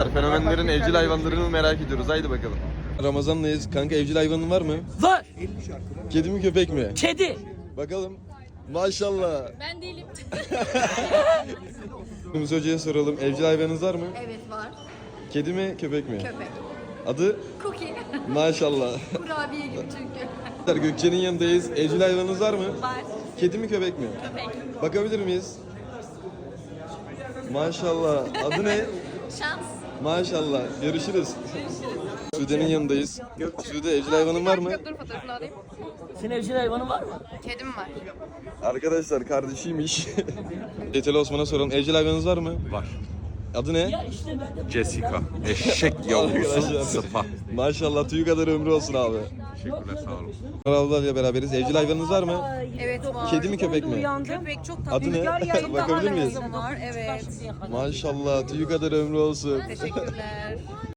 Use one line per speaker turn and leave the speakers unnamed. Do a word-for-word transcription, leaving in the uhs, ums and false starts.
Fenomenlerin evcil hayvanlarını merak ediyoruz. Haydi bakalım. Ramazan'dayız. Kanka evcil hayvanın var mı?
Var.
Kedi mi köpek mi?
Kedi.
Bakalım. Maşallah.
Ben değilim.
Yunus Hoca'ya soralım. Evcil hayvanınız var mı?
Evet var.
Kedi mi köpek mi?
Köpek.
Adı?
Cookie.
Maşallah.
Kurabiye gibi çünkü.
Gökçe'nin yanındayız. Evcil hayvanınız var mı?
Var.
Kedi mi köpek mi?
Köpek.
Bakabilir miyiz? Maşallah. Adı ne?
Şans.
Maşallah. Görüşürüz. Sude'nin yanındayız. Sude evcil hayvanın var mı?
Dur fotoğrafını alayım.
Senin evcil hayvanın var mı?
Kedim var.
Arkadaşlar kardeşiymiş. Yeteli Osman'a soralım. Evcil hayvanınız var mı?
Var.
Adı ne?
Ya işte ben de...
Jessica. Eşek yavrusu.
Arkadaşlar.
Sıpa.
Maşallah tüyü kadar ömrü olsun abi.
Teşekkürler, sağ olun.
Ablayla beraberiz. Evcil hayvanınız var mı?
Evet var.
Kedi mi köpek mi?
Köpek çok tatlı.
Adı ne? Bakabilir miyiz?
var. Evet.
Maşallah tüyü kadar ömrü olsun.
Teşekkürler.